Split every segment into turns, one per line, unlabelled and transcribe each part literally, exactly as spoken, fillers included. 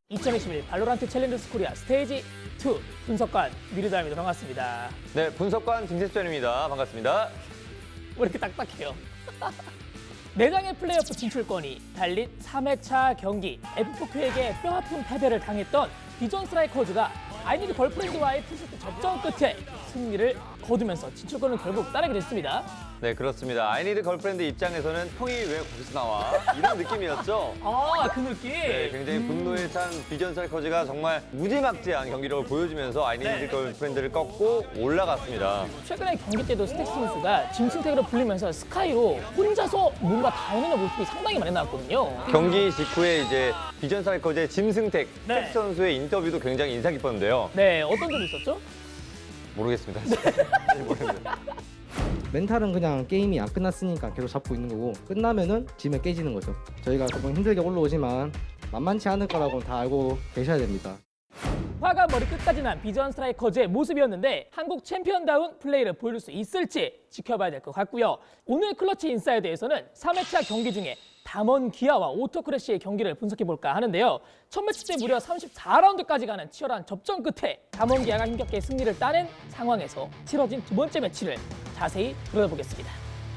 이천이십일 발로란트 챌린저스 코리아 스테이지 투 분석관 미르다입니다. 반갑습니다.
네, 분석관 김세수입니다. 반갑습니다.
왜 이렇게 딱딱해요? 네 장의 플레이오프 진출권이 달린 삼 회차 경기 에프포큐에게 뼈아픈 패배를 당했던 비전 스트라이커즈가 아이니드 걸프렌드와의 투세트 접전 끝에 승리를 거두면서 진출권을 결국 따내게 됐습니다.
네, 그렇습니다. 아이니드 걸프렌드 입장에서는 형이 왜 거기서 나와? 이런 느낌이었죠.
아, 그 느낌?
네, 굉장히 분노에 찬 비전 스트라이커즈가 정말 무지막지한 경기력을 보여주면서 아이니드
네.
걸프렌드를 꺾고 올라갔습니다.
최근에 경기 때도 스택스 선수가 짐승택으로 불리면서 스카이로 혼자서 뭔가 다 해내는 모습이 상당히 많이 나왔거든요.
경기 직후에 이제 비전 스트라이커즈의 짐승택
네.
텍 선수의 인터뷰도 굉장히 인상 깊었는데요.
네, 어떤 점이 있었죠?
모르겠습니다. 잘 모르겠습니다.
멘탈은 그냥 게임이 안 끝났으니까 계속 잡고 있는 거고 끝나면은 지면 깨지는 거죠. 저희가 조금 힘들게 올라오지만 만만치 않을 거라고는 다 알고 계셔야 됩니다.
화가 머리 끝까지 난 비전 스트라이커즈의 모습이었는데 한국 챔피언다운 플레이를 보여줄 수 있을지 지켜봐야 될 것 같고요. 오늘 클러치 인사이드에서는 삼 회차 경기 중에 담원 기아와 오토크래시의 경기를 분석해볼까 하는데요. 첫 매치 때 무려 삼십사 라운드까지 가는 치열한 접전 끝에 담원 기아가 힘겹게 승리를 따낸 상황에서 치러진 두 번째 매치를 자세히 들여다보겠습니다.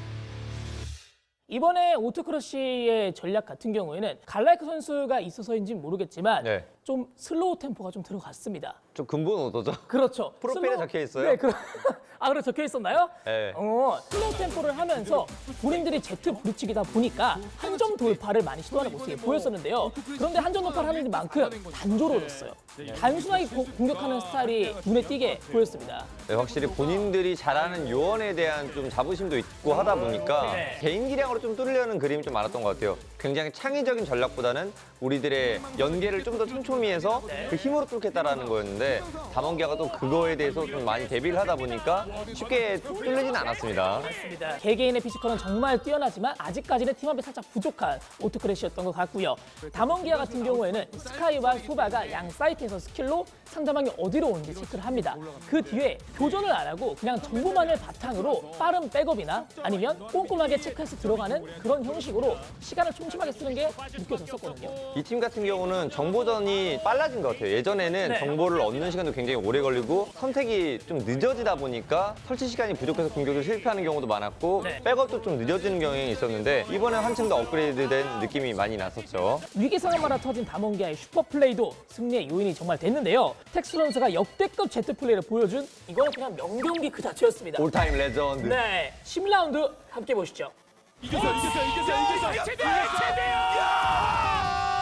이번에 오토크러쉬의 전략 같은 경우에는 갈라이크 선수가 있어서인지는 모르겠지만
네.
좀 슬로우 템포가 좀 들어갔습니다.
좀 근본 오더죠?
그렇죠.
프로필에
슬로우-
적혀 있어요?
네, 그... 아, 그래 적혀 있었나요?
네.
어, 슬로우 템포를 하면서 본인들이 제트 부딪히기다 보니까 한 점 돌파를 많이 시도하는 모습이 보였었는데요. 그런데 한 점 돌파를 하는 만큼 단조로웠어요. 단순하게 고- 공격하는 스타일이 눈에 띄게 보였습니다.
네, 확실히 본인들이 잘하는 요원에 대한 좀 자부심도 있고 하다 보니까
네.
개인 기량으로 좀 뚫으려는 그림이 좀 많았던 것 같아요. 굉장히 창의적인 전략보다는 우리들의 연계를 좀 더 촘촘히해서 그 힘으로 뚫겠다라는 거였는데 담원기아가 또 그거에 대해서 좀 많이 대비를 하다 보니까 쉽게 뚫리지는 않았습니다.
맞습니다. 개개인의 피지컬은 정말 뛰어나지만 아직까지는 팀업이 살짝 부족한 오토크래시였던 것 같고요. 담원기아 같은 경우에는 스카이와 소바가 양 사이트에서 스킬로 상대방이 어디로 오는지 체크를 합니다. 그 뒤에 교전을 안 하고 그냥 정보만을 바탕으로 빠른 백업이나 아니면 꼼꼼하게 체크해서 들어가는 그런 형식으로 시간을 촘촘하게 쓰는 게 느껴졌었거든요.
이 팀 같은 경우는 정보전이 빨라진 것 같아요. 예전에는
네.
정보를 얻는 시간도 굉장히 오래 걸리고 선택이 좀 늦어지다 보니까 설치 시간이 부족해서 공격을 실패하는 경우도 많았고
네.
백업도 좀 늦어지는 경향이 있었는데 이번에 한층 더 업그레이드된 느낌이 많이 났었죠.
위기 상황마다 터진 담원기아의 슈퍼플레이도 승리의 요인이 정말 됐는데요. 텍스 선수가 역대급 제트 플레이를 보여준 이거는 그냥 명경기 그 자체였습니다.
올타임 레전드.
네, 십 라운드 함께 보시죠.
이겼어 이겼어 이겼어 이겼어 최대 최대야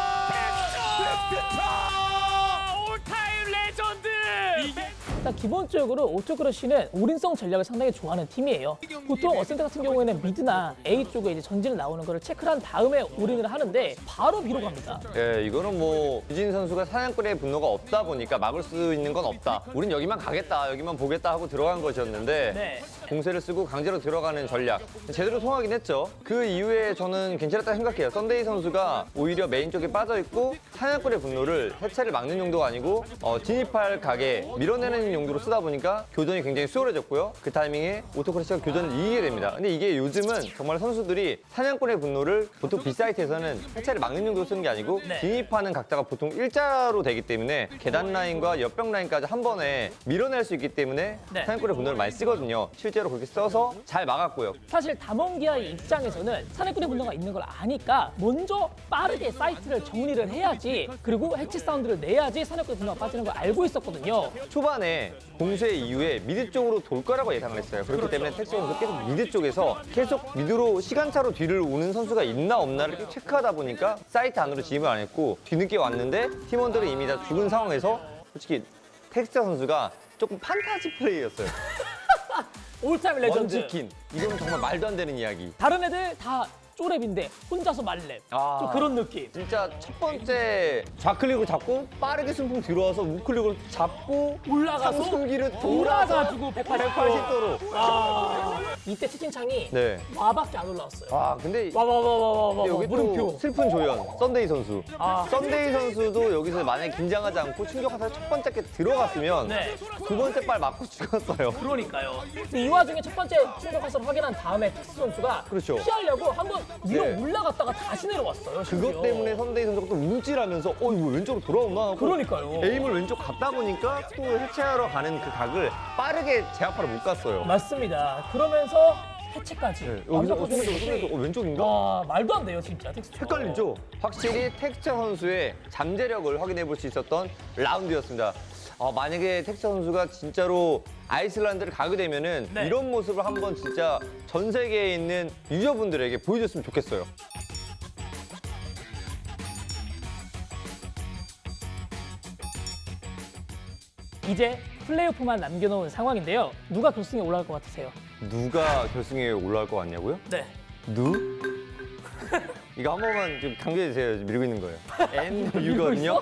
올타임 레전드 이게
일단 기본적으로 오토크러쉬는 올인성 전략을 상당히 좋아하는 팀이에요. 보통 어센트 같은 경우에는 미드나 A 쪽에 이제 전진을 나오는 거를 체크를 한 다음에 올인을 하는데 바로 B로 갑니다.
예, 이거는 뭐 유진 선수가 사냥꾼의 분노가 없다 보니까 막을 수 있는 건 없다. 우린 여기만 가겠다, 여기만 보겠다 하고 들어간 것이었는데
네.
공세를 쓰고 강제로 들어가는 전략 제대로 통하긴 했죠. 그 이후에 저는 괜찮았다 생각해요. 썬데이 선수가 오히려 메인 쪽에 빠져있고 사냥꾼의 분노를 해체를 막는 용도가 아니고 어, 진입할 각에 밀어내는 용도로 쓰다 보니까 교전이 굉장히 수월해졌고요. 그 타이밍에 오토크래시가 교전을 이기게 됩니다. 근데 이게 요즘은 정말 선수들이 사냥꾼의 분노를 보통 B사이트에서는 해체를 막는 용도로 쓰는 게 아니고
네.
진입하는 각자가 보통 일자로 되기 때문에 계단 라인과 옆벽 라인까지 한 번에 밀어낼 수 있기 때문에
네.
사냥꾼의 분노를 많이 쓰거든요. 실제로 그렇게 써서 잘 막았고요.
사실 담원기아의 입장에서는 사내꾼의 분노가 있는 걸 아니까 먼저 빠르게 사이트를 정리를 해야지 그리고 해치 사운드를 내야지 사내꾼의 분노가 빠지는 걸 알고 있었거든요.
초반에 공세 이후에 미드 쪽으로 돌 거라고 예상을 했어요. 그렇기 때문에 텍스 선수 계속 미드 쪽에서 계속 미드로 시간차로 뒤를 오는 선수가 있나 없나를 계속 체크하다 보니까 사이트 안으로 진입을 안 했고 뒤늦게 왔는데 팀원들은 이미 다 죽은 상황에서 솔직히 텍스 선수가 조금 판타지 플레이였어요.
올타임 레전드.
먼치킨. 이건 정말 말도 안 되는 이야기.
다른 애들 다 쪼랩인데 혼자서 말랩.
아.
좀 그런 느낌.
진짜 첫 번째 좌클릭을 잡고 빠르게 순풍 들어와서 우클릭을 잡고
올라가서
상승기를 돌아서
돌아가지고 백팔십 도.
백팔십 도로.
아, 이때 채팅창이
네.
와밖에 안 올라왔어요.
아 근데
와 와 와 와 와 와
여기 또
물음표.
슬픈 조연 썬데이 선수.
아.
썬데이 선수도 여기서 만약에 긴장하지 않고 충격하다 첫 번째 게 들어갔으면
네.
두 번째 발 맞고 죽었어요.
그러니까요. 근데 이 와중에 첫 번째 충격 화살을 확인한 다음에 텍스 선수가
그렇죠.
피하려고 한번 위로
네.
올라갔다가 다시 내려왔어요. 심지어.
그것 때문에 선대희 선수가 또 움찔하면서 어 이거 왼쪽으로 돌아오나 하고
그러니까요.
에임을 왼쪽 갔다 보니까 또 해체하러 가는 그 각을 빠르게 제압하러 못 갔어요.
맞습니다. 그러면서 해체까지.
네, 여기서 어,
완벽하게
손에서
해체시.
손에서 어, 왼쪽인가?
와, 말도 안 돼요, 진짜. 텍스처.
헷갈리죠? 확실히 텍스처 선수의 잠재력을 확인해 볼 수 있었던 라운드였습니다. 어, 만약에 텍스처 선수가 진짜로 아이슬란드를 가게 되면은
네.
이런 모습을 한번 진짜 전 세계에 있는 유저분들에게 보여줬으면 좋겠어요.
이제 플레이오프만 남겨놓은 상황인데요. 누가 결승에 올라갈 것 같으세요?
누가 결승에 올라갈 것 같냐고요?
네.
누? 이거 한 번만 좀 강조해 주세요. 지금 밀고 있는 거예요. N
밀고
U거든요.
있어?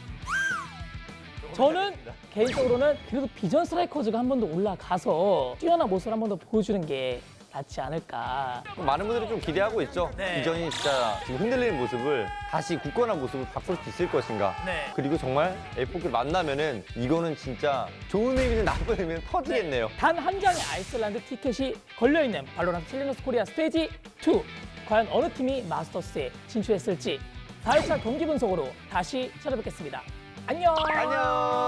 저는 개인적으로는 그래도 비전 스트라이커즈가 한 번 더 올라가서 뛰어난 모습을 한 번 더 보여주는 게 낫지 않을까.
많은 분들이 좀 기대하고 있죠.
네.
비전이 진짜 지금 흔들리는 모습을 다시 굳건한 모습을 바꿀 수 있을 것인가.
네.
그리고 정말 에이포키를 만나면은 이거는 진짜 좋은 의미든 나쁜 의미든 터지겠네요.
단 한 장의 아이슬란드 티켓이 걸려있는 발로란트 챌린저스 코리아 스테이지 투. 과연 어느 팀이 마스터스에 진출했을지 사 회차 경기 분석으로 다시 찾아뵙겠습니다. 안녕.
안녕.